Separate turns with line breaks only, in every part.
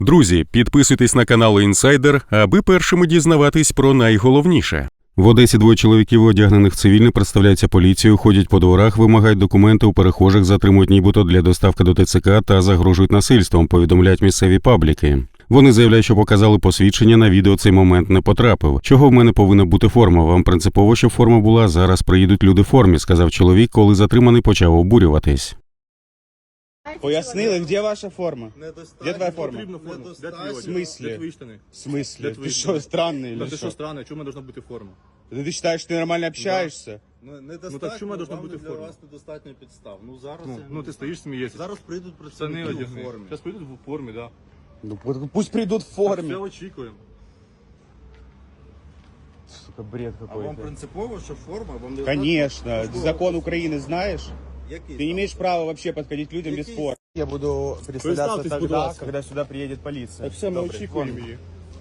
Друзі, підписуйтесь на канал Інсайдер, аби першими дізнаватись про найголовніше. В Одесі двоє чоловіків, одягнених в цивільне, представляються поліцією, ходять по дворах, вимагають документи у перехожих, затримують нібито для доставки до ТЦК та загрожують насильством, повідомляють місцеві пабліки. Вони заявляють, що показали посвідчення, на відео цей момент не потрапив. Чого в мене повинна бути форма? Вам принципово, щоб форма була, зараз приїдуть люди в формі, сказав чоловік, коли затриманий почав обурюватись.
Пояснили, де ваша форма? Де твоя форма?
В
смислі? В смислі?
Де
Ти
твої
що, странний?
Та
Или
ти що
що?
странно, чому должна бути форма?
Ти вважаєш, що ти нормально общаєшся?
Ну так чому должна бути
для
форма?
вас недостатньо підстав. Ну зараз
Ну ти стоїш, смієшся.
зараз прийдуть
Штани
працівники у
одягни.
формі.
Зараз прийдуть в формі, да.
Ну пусть прийдуть в
Все
формі.
очікуємо.
Сука, бред
А вам
какой-то.
принципово, що форма вам не
Конечно. Закон Украины знаешь?
Який
Ты не
там?
имеешь права вообще подходить людям без
Який?
формы. Я буду представляться
Представьтесь, будь
тогда,
ласка.
когда сюда приедет полиция.
Так все, ми
Добре.
очікуємо
Вон.
її.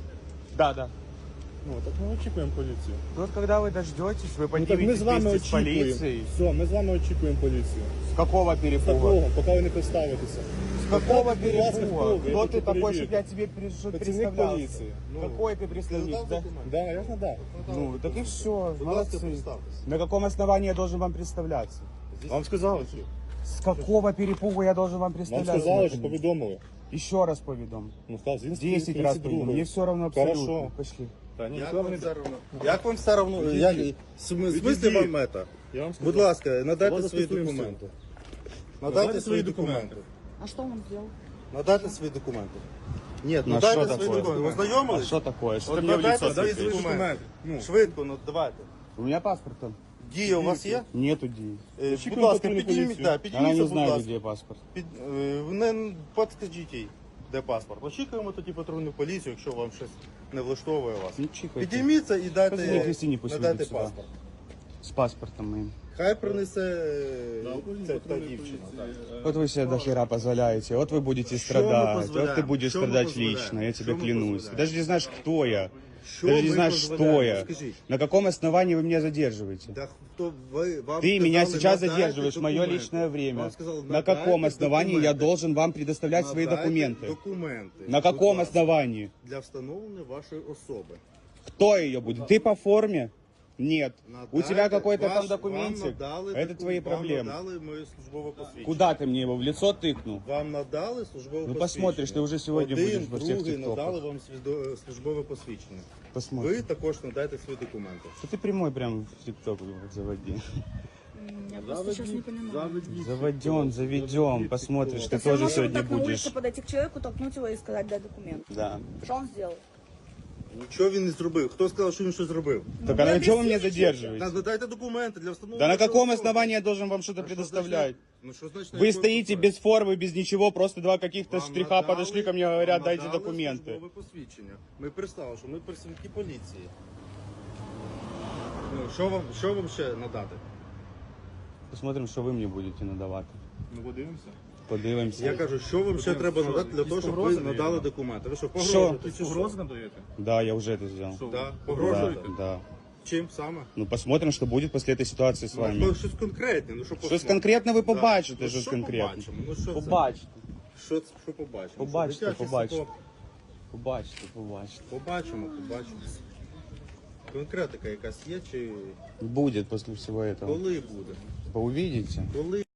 Да.
Ну так ми очікуємо поліцію.
Вот когда вы дождетесь, вы
Ну так ми
подниметесь
з вами
вместе с
очікуємо.
полицией.
Все, ми з вами очікуємо поліцію.
С какого перепуга?
Такого, поки ви не представитеся.
С какого
Будь ласка,
перепуга?
хто ви?
Кто
Я
ты
хочу
такой,
перевірити.
чтобы я тебе
Працівник
представлялся?
поліції.
Какой ты представник? Да?
Да, я ж надав.
Ну, так и все,
Будь ласка,
молодцы.
представтеся.
На каком основании я должен вам представляться?
Вам сказали, що?
С какого перепуга я должен вам
Вам
представляться?
сказали, що
наконец?
повідомили.
Еще раз поведом.
Ну сказав, з
10 раз поведом. Мне все равно абсолютно.
Хорошо.
Пошли.
Та ні,
Як
ніхто
вам
не
все равно? Як вам все равно?
Відійдіть.
Як в смислі вам мета?
Я вам
Будь
сказав.
ласка, надайте
Давайте
свої
спілкуємося.
документи.
Надайте свої документи.
А что он сделал?
Надайте свої документи. Ні,
Ну, а
надайте
що
свої
такое?
документи. Ви
А
ознайомились?
что такое? Что ты
От
мне в
надайте
лицо
свої
светишь?
документи.
Ну.
Швидко, ну давайте.
У меня паспорт там.
Дія у вас є?
Нету Ди.
Будь
Очікуємо
ласка,
патрульну
підніміть,
поліцію.
да,
Она
підніміться,
не
будь
знает,
ласка.
где паспорт.
Не підскажіть їй, де паспорт. Очікуємо тоді патрульну поліцію, якщо вам щось не влаштовує вас.
Ну, чихайте.
Підійміться і
Позвони
дайте,
Кристині, пусть
надайте
вийде сюди.
паспорт.
С паспортом моим.
Хай принесе ця та дівчина.
Вот вы себе до хера позволяете, вот вы будете
мы
страдать, вот
позволяем?
ты будешь
Что мы
страдать
позволяем?
лично, я тебе
Что мы
клянусь.
позволяем?
Даже не знаешь, кто я.
Що
Даже не
ми
знаешь, что
дозволяємо?
я.
Скажіть.
На каком основании вы меня задерживаете?
Да хто ви, вам
Ты меня
сказали,
сейчас
надайте
задерживаешь в мое
документи.
личное время.
Вам сказали,
На каком
надайте
основании я
документи.
должен вам предоставлять свои
Надайте
документы?
Документи.
На
Будь
каком
ласка,
основании?
Для встановлення вашої особи.
Кто ее будет? Ты по форме? Нет. У
Надайте,
тебя какой-то там
вам
документик?
надали
Это твои
Вам
проблемы.
надали моє службове посвідчення.
Куда ты мне его в лицо тыкнул?
Вам надали службове посвідчення.
посмотришь, ти вже сьогодні будеш во всіх
другий
тіктоках.
надали вам службове посвідчення.
Посмотрим.
Ви також надайте свої документи.
Что ты прямой прям в ТикТок заводи.
Я просто сейчас не понимаю.
Заведем. Посмотришь, ты
Я
тоже
могу
сегодня
так на
будешь.
улице подойти к человеку, толкнуть его и сказать, дай документ.
Да.
Что он сделал?
Нічого він не зробив. Хто сказав, що він щось зробив?
Так
вы
а на чем вы меня
объясните,
задерживаете?
Надайте документи для встановлення.
Да на
вашої
каком
особи.
основании я должен вам что-то
А що
предоставлять?
значить- Ну, що значить, на
Вы
якому
стоите
основі?
без формы, без ничего, просто два каких-то
Вам
штриха
надали-
подошли ко мне, говорят,
вам
дайте
надали
документы.
службове посвідчення. Ми представили, що ми працівники поліції. Ну, що вам ще надати?
Посмотрим, що ви мені будете надавати.
Ну подивимося.
Подивимося.
Я кажу, що вам ще треба надати для того, щоб ви
погрози
надали
даєте?
документи? Ви що,
Що?
погрожуєте? чи
Погрози надаєте?
Да, я уже это сделал.
Що?
Да,
Да,
погрожуєте?
да.
Чим саме?
Ну посмотрим, что будет после этой ситуации с вами.
Ну, щось конкретне. Ну, що
Щось конкретне ви побачите,
Ну,
щось
що
конкретне.
побачимо? Ну, що це?
Побачите.
Що побачимо?
Побачите,
Дитячий
побачите.
садок.
Побачите, побачите.
Побачимо. Конкретика якась є, чи
Будет после всего этого.
коли буде?
Вы увидите.
Коли?